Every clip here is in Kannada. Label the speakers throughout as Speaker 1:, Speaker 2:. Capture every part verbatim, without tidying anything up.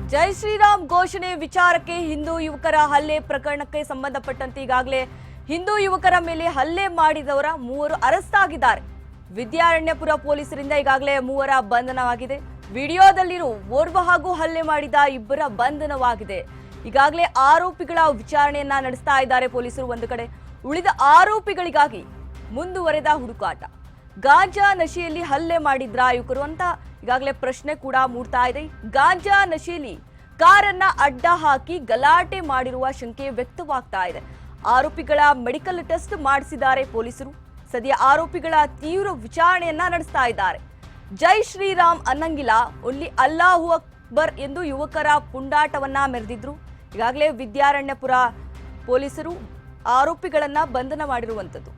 Speaker 1: ಜೈ ಶ್ರೀರಾಮ್ ಘೋಷಣೆ ವಿಚಾರಕ್ಕೆ ಹಿಂದೂ ಯುವಕರ ಹಲ್ಲೆ ಪ್ರಕರಣಕ್ಕೆ ಸಂಬಂಧಪಟ್ಟಂತೆ ಈಗಾಗಲೇ ಹಿಂದೂ ಯುವಕರ ಮೇಲೆ ಹಲ್ಲೆ ಮಾಡಿದವರ ಮೂವರು ಅರೆಸ್ಟ್ ಆಗಿದ್ದಾರೆ. ವಿದ್ಯಾರಣ್ಯಪುರ ಪೊಲೀಸರಿಂದ ಈಗಾಗಲೇ ಮೂವರ ಬಂಧನವಾಗಿದೆ. ವಿಡಿಯೋದಲ್ಲಿರೋ ಓರ್ವ ಹಾಗೂ ಹಲ್ಲೆ ಮಾಡಿದ ಇಬ್ಬರ ಬಂಧನವಾಗಿದೆ. ಈಗಾಗಲೇ ಆರೋಪಿಗಳ ವಿಚಾರಣೆಯನ್ನ ನಡೆಸ್ತಾ ಇದ್ದಾರೆ ಪೊಲೀಸರು ಒಂದು ಕಡೆ. ಉಳಿದ ಆರೋಪಿಗಳಿಗಾಗಿ ಮುಂದುವರೆದ ಹುಡುಕಾಟ. ಗಾಂಜಾ ನಶೆಯಲ್ಲಿ ಹಲ್ಲೆ ಮಾಡಿದ್ರ ಯುವಕರು ಅಂತ ಈಗಾಗಲೇ ಪ್ರಶ್ನೆ ಕೂಡ ಮೂಡ್ತಾ ಇದೆ. ಗಾಂಜಾ ನಶೆಯಲ್ಲಿ ಕಾರನ್ನ ಅಡ್ಡ ಹಾಕಿ ಗಲಾಟೆ ಮಾಡಿರುವ ಶಂಕೆ ವ್ಯಕ್ತವಾಗ್ತಾ ಇದೆ. ಆರೋಪಿಗಳ ಮೆಡಿಕಲ್ ಟೆಸ್ಟ್ ಮಾಡಿಸಿದ್ದಾರೆ ಪೊಲೀಸರು. ಸದ್ಯ ಆರೋಪಿಗಳ ತೀವ್ರ ವಿಚಾರಣೆಯನ್ನ ನಡೆಸ್ತಾ ಇದ್ದಾರೆ. ಜೈ ಶ್ರೀರಾಮ್ ಅನ್ನಂಗಿಲ್ಲ, ಒಲ್ಲಿ ಅಲ್ಲಾಹು ಅಕ್ಬರ್ ಎಂದು ಯುವಕರ ಪುಂಡಾಟವನ್ನ ಮೆರೆದಿದ್ರು. ಈಗಾಗಲೇ ವಿದ್ಯಾರಣ್ಯಪುರ ಪೊಲೀಸರು ಆರೋಪಿಗಳನ್ನ ಬಂಧನ ಮಾಡಿರುವಂತದ್ದು.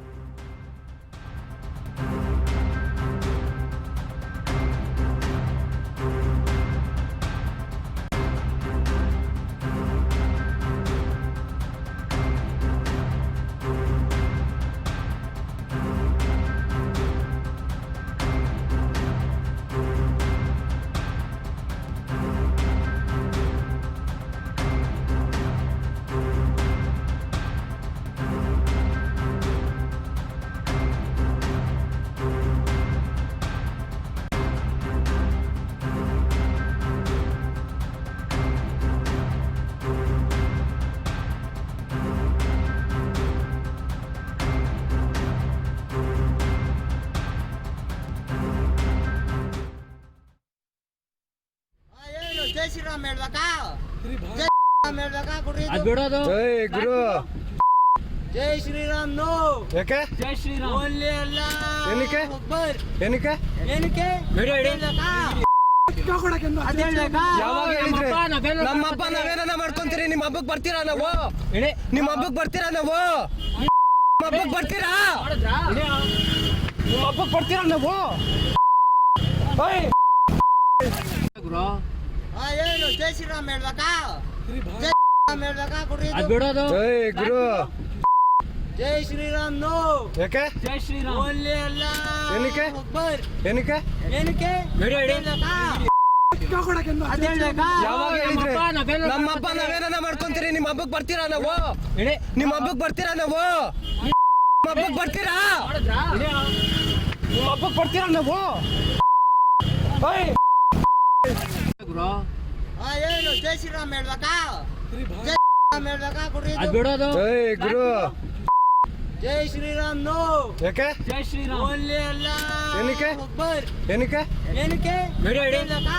Speaker 2: ಜೈ ಶ್ರೀರಾಮ್ ಹೇಳ್ಬೇಕಾ? ಜೈ ಶ್ರೀರಾಮ್ ಹೇಳ್ಬೇಕಾ? ಕೊಡ್ರಿ
Speaker 3: ಜೈ ಗುರು.
Speaker 2: ಜೈ ಶ್ರೀರಾಮ್ ನೋ.
Speaker 3: ಯಾಕೆ
Speaker 2: ಜೈ ಶ್ರೀರಾಮ್ ಓನ್ಲಿ ಅಲ್ಲ.
Speaker 3: ಏನಕ್ಕೆ
Speaker 2: ಅಕ್ಬರ್.
Speaker 3: ಏನಕ್ಕೆ
Speaker 2: ಏನಕ್ಕೆ ಹೇಳ್ಬೇಕಾ?
Speaker 3: ಯಾವಾಗ ಹೇಳಿದ್ರೆ ನಮ್ಮ ಹಬ್ಬ ನಾವೇನ ಮಾಡ್ಕೊಂತೀರಿ? ನಿಮ್ಮ ಹಬ್ಬಕ್ಕೆ ಬರ್ತೀರಾ? ನಾವು ನಿಮ್ಮ ಹಬ್ಬಕ್ಕೆ ಬರ್ತೀರಾ? ನಾವು ನಿಮ್ಮ ಹಬ್ಬಕ್ಕೆ ಬರ್ತೀರಾ? ನಿಮ್ಮ ಹಬ್ಬಕ್ಕೆ ಬರ್ತೀರಾ? ನಾವು
Speaker 2: ಹಾ ಏನು ಜೈ ಶ್ರೀರಾಮ್ ಹೇಳ್ಬೇಕಾ? ಜೈ ಶ್ರೀರಾಮ್ ಹೇಳ್ಬೇಕಾ? ಕೊಡ್ರಿ
Speaker 3: ಜೈ ಗುರು.
Speaker 2: ಜೈ ಶ್ರೀರಾಮ್ ನೋ.
Speaker 3: ಯಾಕೆ
Speaker 2: ಜೈ ಶ್ರೀರಾಮ್ ಓನ್ಲಿ ಅಲ್ಲ.
Speaker 3: ಏನಕ್ಕೆ
Speaker 2: ಅಕ್ಬರ್.
Speaker 3: ಏನಕ್ಕೆ
Speaker 2: ಏನಕ್ಕೆ ಹೇಳ್ಬೇಕಾ?
Speaker 3: ಯಾವಾಗ ಹೇಳಿದ್ರೆ ನಮ್ಮ ಹಬ್ಬ ನಾವೇನ ಮಾಡ್ಕೊಂತೀರಿ? ನಿಮ್ಮ ಹಬ್ಬಕ್ಕೆ ಬರ್ತೀರಾ? ನಾವು ನಿಮ್ಮ ಹಬ್ಬಕ್ಕೆ ಬರ್ತೀರಾ? ನಾವು ನಿಮ್ಮ ಹಬ್ಬಕ್ಕೆ ಬರ್ತೀರಾ? ನಿಮ್ಮ ಹಬ್ಬಕ್ಕೆ ಬರ್ತೀರಾ? ನಾವು
Speaker 2: ಹಾ ಏನು ಜೈ ಶ್ರೀರಾಮ್ ಹೇಳ್ಬೇಕಾ? ಜೈ ಶ್ರೀರಾಮ್ ಹೇಳ್ಬೇಕಾ? ಕೊಡ್ರಿ
Speaker 3: ಜೈ ಗುರು.
Speaker 2: ಜೈ ಶ್ರೀರಾಮ್ ನೋ.
Speaker 3: ಯಾಕೆ
Speaker 2: ಜೈ ಶ್ರೀರಾಮ್ ಓನ್ಲಿ ಅಲ್ಲ.
Speaker 3: ಏನಕ್ಕೆ
Speaker 2: ಅಕ್ಬರ್.
Speaker 3: ಏನಕ್ಕೆ
Speaker 2: ಏನಕ್ಕೆ ಹೇಳ್ಬೇಕಾ?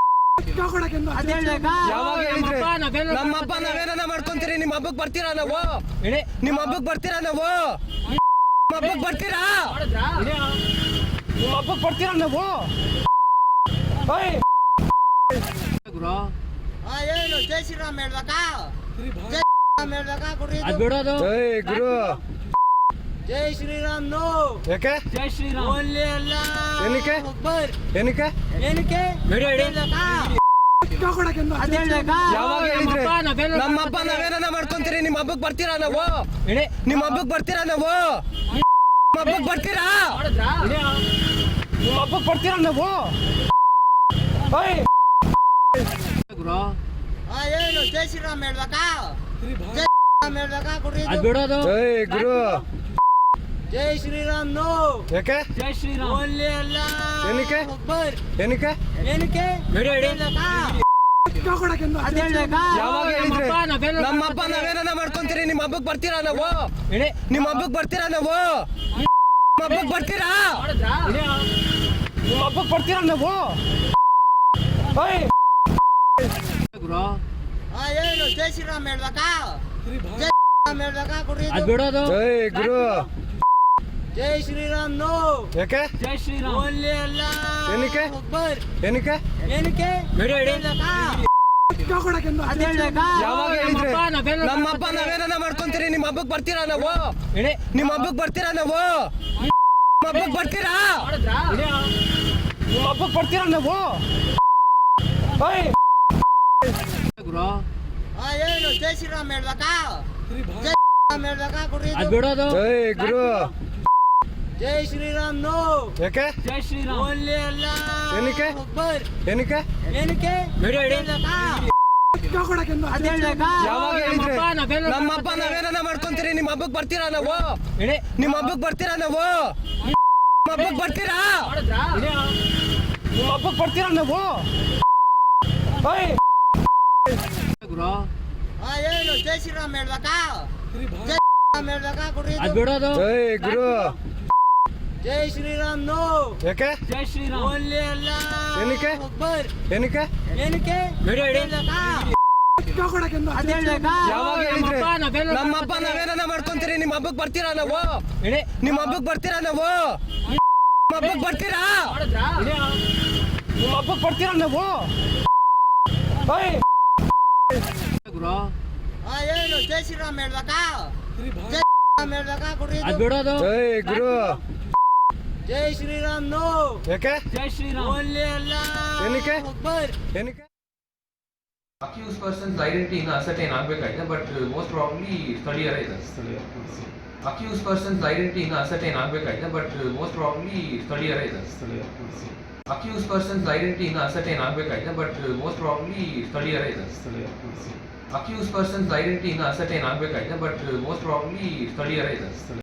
Speaker 3: ಯಾವಾಗ ಹೇಳಿದ್ರೆ ನಮ್ಮ ಹಬ್ಬ ನಾವೇನ ಮಾಡ್ಕೊಂತೀರಿ? ನಿಮ್ಮ ಹಬ್ಬಕ್ಕೆ ಬರ್ತೀರಾ? ನಾವು ನಿಮ್ಮ ಹಬ್ಬಕ್ಕೆ ಬರ್ತೀರಾ? ನಾವು ನಿಮ್ಮ ಹಬ್ಬಕ್ಕೆ ಬರ್ತೀರಾ? ನಿಮ್ಮ ಹಬ್ಬಕ್ಕೆ ಬರ್ತೀರಾ? ನಾವು
Speaker 2: ಹಾ ಏನು ಜೈ ಶ್ರೀರಾಮ್ ಹೇಳ್ಬೇಕಾ? ಜೈ ಶ್ರೀರಾಮ್ ಹೇಳ್ಬೇಕಾ? ಕೊಡ್ರಿ
Speaker 3: ಜೈ ಗುರು.
Speaker 2: ಜೈ ಶ್ರೀರಾಮ್ ನೋ.
Speaker 3: ಯಾಕೆ
Speaker 2: ಜೈ ಶ್ರೀರಾಮ್ ಓನ್ಲಿ ಅಲ್ಲ.
Speaker 3: ಏನಕ್ಕೆ
Speaker 2: ಅಕ್ಬರ್.
Speaker 3: ಏನಕ್ಕೆ
Speaker 2: ಏನಕ್ಕೆ ಹೇಳ್ಬೇಕಾ?
Speaker 3: ಯಾವಾಗ ಹೇಳಿದ್ರೆ ನಮ್ಮ ಹಬ್ಬ ನಾವೇನ ಮಾಡ್ಕೊಂತೀರಿ? ನಿಮ್ಮ ಹಬ್ಬಕ್ಕೆ ಬರ್ತೀರಾ? ನಾವು ನಿಮ್ಮ ಹಬ್ಬಕ್ಕೆ ಬರ್ತೀರಾ? ನಾವು ನಿಮ್ಮ ಹಬ್ಬಕ್ಕೆ ಬರ್ತೀರಾ? ನಿಮ್ಮ ಹಬ್ಬಕ್ಕೆ ಬರ್ತೀರಾ? ನಾವು
Speaker 2: ಹಾ ಏನು ಜೈ ಶ್ರೀರಾಮ್ ಹೇಳ್ಬೇಕಾ? ಜೈ ಶ್ರೀರಾಮ್ ಹೇಳ್ಬೇಕಾ? ಕೊಡ್ರಿ
Speaker 3: ಜೈ ಗುರು.
Speaker 2: ಜೈ ಶ್ರೀರಾಮ್ ನೋ.
Speaker 3: ಯಾಕೆ
Speaker 2: ಜೈ ಶ್ರೀರಾಮ್ ಓನ್ಲಿ ಅಲ್ಲ.
Speaker 3: ಏನಕ್ಕೆ
Speaker 2: ಅಕ್ಬರ್.
Speaker 3: ಏನಕ್ಕೆ
Speaker 2: ಏನಕ್ಕೆ ಹೇಳ್ಬೇಕಾ?
Speaker 3: ಯಾವಾಗ ಹೇಳಿದ್ರೆ ನಮ್ಮ ಹಬ್ಬ ನಾವೇನ ಮಾಡ್ಕೊಂತೀರಿ? ನಿಮ್ಮ ಹಬ್ಬಕ್ಕೆ ಬರ್ತೀರಾ? ನಾವು ನಿಮ್ಮ ಹಬ್ಬಕ್ಕೆ ಬರ್ತೀರಾ? ನಾವು ನಿಮ್ಮ ಹಬ್ಬಕ್ಕೆ ಬರ್ತೀರಾ? ನಿಮ್ಮ ಹಬ್ಬಕ್ಕೆ ಬರ್ತೀರಾ? ನಾವು
Speaker 2: ಹಾ ಏನು ಜೈ ಶ್ರೀರಾಮ್ ಹೇಳ್ಬೇಕಾ? ಜೈ ಶ್ರೀರಾಮ್ ಹೇಳ್ಬೇಕಾ? ಕೊಡ್ರಿ
Speaker 3: ಜೈ ಗುರು.
Speaker 2: ಜೈ ಶ್ರೀರಾಮ್ ನೋ.
Speaker 3: ಯಾಕೆ
Speaker 2: ಜೈ ಶ್ರೀರಾಮ್ ಓನ್ಲಿ ಅಲ್ಲ.
Speaker 3: ಏನಕ್ಕೆ
Speaker 2: ಅಕ್ಬರ್.
Speaker 3: ಏನಕ್ಕೆ
Speaker 2: ಏನಕ್ಕೆ ಹೇಳ್ಬೇಕಾ?
Speaker 3: ಯಾವಾಗ ಹೇಳಿದ್ರೆ ನಮ್ಮ ಹಬ್ಬ ನಾವೇನ ಮಾಡ್ಕೊಂತೀರಿ? ನಿಮ್ಮ ಹಬ್ಬಕ್ಕೆ ಬರ್ತೀರಾ? ನಾವು ನಿಮ್ಮ ಹಬ್ಬಕ್ಕೆ ಬರ್ತೀರಾ? ನಾವು ನಿಮ್ಮ ಹಬ್ಬಕ್ಕೆ ಬರ್ತೀರಾ? ನಿಮ್ಮ ಹಬ್ಬಕ್ಕೆ ಬರ್ತೀರಾ? ನಾವು
Speaker 2: ಹಾ ಏನು ಜೈ ಶ್ರೀರಾಮ್ ಹೇಳ್ಬೇಕಾ? ಜೈ ಶ್ರೀರಾಮ್ ಹೇಳ್ಬೇಕಾ? ಕೊಡ್ರಿ
Speaker 3: ಜೈ ಗುರು.
Speaker 2: ಜೈ ಶ್ರೀರಾಮ್ ನೋ
Speaker 3: ಯಾಕೆ
Speaker 4: ಜೈ ಶ್ರೀರಾಮ್
Speaker 2: ಓನ್ಲಿ ಅಲ್ಲ
Speaker 3: ಏನಕ್ಕೆ?
Speaker 2: ಅಕ್ಬರ್
Speaker 3: ಏನಕ್ಕೆ
Speaker 2: ಏನಕ್ಕೆ
Speaker 4: ವಿಡಿಯೋ ಇಡಿ.
Speaker 2: ಅದೇಳ್ಬೇಕಾ
Speaker 3: ಯಾವಾಗ ಹೇಳಿದ್ರೆ
Speaker 4: ನಮ್ಮಪ್ಪ ನಾವೇನೋ
Speaker 3: ನಮ್ಮ ಹಬ್ಬ ನಾವೇನ ಮಾಡ್ಕೊಂತೀರಿ ನಿಮ್ಮ ಹಬ್ಬಕ್ಕೆ ಬರ್ತೀರಾ ನಾವು
Speaker 4: ಇಡಿ.
Speaker 3: ನಿಮ್ಮ ಹಬ್ಬಕ್ಕೆ ಬರ್ತೀರಾ ನಾವು ನಿಮ್ಮ ಹಬ್ಬಕ್ಕೆ ಬರ್ತೀರಾ
Speaker 4: ವಿಡಿಯೋ.
Speaker 3: ನಿಮ್ಮ ಹಬ್ಬಕ್ಕೆ ಬರ್ತೀರಾ ನಾವು ಓಯ್
Speaker 4: ಗುರು
Speaker 2: ಹಾ ಏನು ಜೈ ಶ್ರೀರಾಮ್ ಹೇಳ್ಬೇಕಾ ಜೈ ಶ್ರೀರಾಮ್ ಹೇಳ್ಬೇಕಾ ಕೊಡ್ರಿ
Speaker 4: ಅದ್ ಬಿಡೋದು
Speaker 3: ಏಯ್ ಗುರು
Speaker 2: ಜೈ ಶ್ರೀರಾಮ್ ನೋ
Speaker 3: ಯಾಕೆ
Speaker 4: ಜೈ ಶ್ರೀರಾಮ್
Speaker 2: ಓನ್ಲಿ ಅಲ್ಲ
Speaker 3: ಏನಕ್ಕೆ?
Speaker 2: ಅಕ್ಬರ್
Speaker 3: ಏನಕ್ಕೆ?
Speaker 2: ಏನಕ್ಕೆ
Speaker 4: ವಿಡಿಯೋ ಇಡಿ.
Speaker 2: ಅದೇಳ್ಬೇಕಾ ಅದೇಳ್ಬೇಕಾ
Speaker 3: ಯಾವಾಗ ಹೇಳಿದ್ರೆ
Speaker 4: ನಮ್ಮಪ್ಪ ನಾವೇನೋ
Speaker 3: ನಮ್ಮ ಹಬ್ಬ ನಾವೇನ ಮಾಡ್ಕೊಂತೀರಿ ನಿಮ್ಮ ಹಬ್ಬಕ್ಕೆ ಬರ್ತೀರಾ ನಾವು
Speaker 4: ಇಡಿ.
Speaker 3: ನಿಮ್ಮ ಹಬ್ಬಕ್ಕೆ ಬರ್ತೀರಾ ನಾವು ನಿಮ್ಮ ಹಬ್ಬಕ್ಕೆ ಬರ್ತೀರಾ
Speaker 4: ವಿಡಿಯೋ.
Speaker 3: ನಿಮ್ಮ ಹಬ್ಬಕ್ಕೆ ಬರ್ತೀರಾ ನಾವು ಓಯ್
Speaker 4: ಗುರು
Speaker 2: ಹಾ ಏನು ಜೈ ಶ್ರೀರಾಮ್ ಹೇಳ್ಬೇಕಾ ಜೈ ಶ್ರೀರಾಮ್ ಹೇಳ್ಬೇಕಾ ಕೊಡ್ರಿ
Speaker 4: ಅದ್ ಬಿಡೋದು
Speaker 3: ಏಯ್ ಗುರು
Speaker 2: ಜೈ ಶ್ರೀರಾಮ್ ನೋ
Speaker 3: ಯಾಕೆ?
Speaker 4: ಜೈ ಶ್ರೀರಾಮ್
Speaker 2: ಓನ್ಲಿ ಅಲ್ಲ
Speaker 3: ಏನಕ್ಕೆ?
Speaker 2: ಅಕ್ಬರ್
Speaker 3: ಏನಕ್ಕೆ?
Speaker 5: ಅಕ್ಯೂಸ್ ಪರ್ಸನ್ಸ್ ಐಡೆಂಟಿಟಿ ಇನ್ನು ಅಸರ್ಟೈನ್ ಆಗಬೇಕಾಗಿದೆ ಬಟ್ ಮೋಸ್ಟ್ ಪ್ರಾಬ್ಲಿ ಸ್ಥಳೀಯರೇ ಇದೆ ಅಕ್ಯೂಸ್ ಪರ್ಸನ್ಸ್ ಐಡೆಂಟಿಟಿ ಇನ್ನು ಅಸರ್ಟೈನ್ ಆಗಬೇಕಾಗಿದೆ ಬಟ್ ಮೋಸ್ಟ್ ಪ್ರಾಬ್ಲಿ ಸ್ಥಳೀಯರೇ ಇದೆ ಅಕ್ಯೂಸ್ ಪರ್ಸನ್ಸ್ ಐಡೆಂಟಿಟಿ ಇನ್ನು ಅಸರ್ಟೈನ್ ಆಗಬೇಕಾಗಿದೆ ಬಟ್ ಮೋಸ್ಟ್ ಪ್ರಾಬ್ಲಿ ಸ್ಥಳೀಯರೇ ಇದೆ ಅಕ್ಯೂಸ್ ಪರ್ಸನ್ಸ್ ಐಡೆಂಟಿಟಿ ಇನ್ನು ಅಸರ್ಟೈನ್ ಆಗಬೇಕಾಗಿದೆ ಬಟ್ ಮೋಸ್ಟ್ ಪ್ರಾಬ್ಲಿ ಸ್ಥಳೀಯರೇ ಇದೆ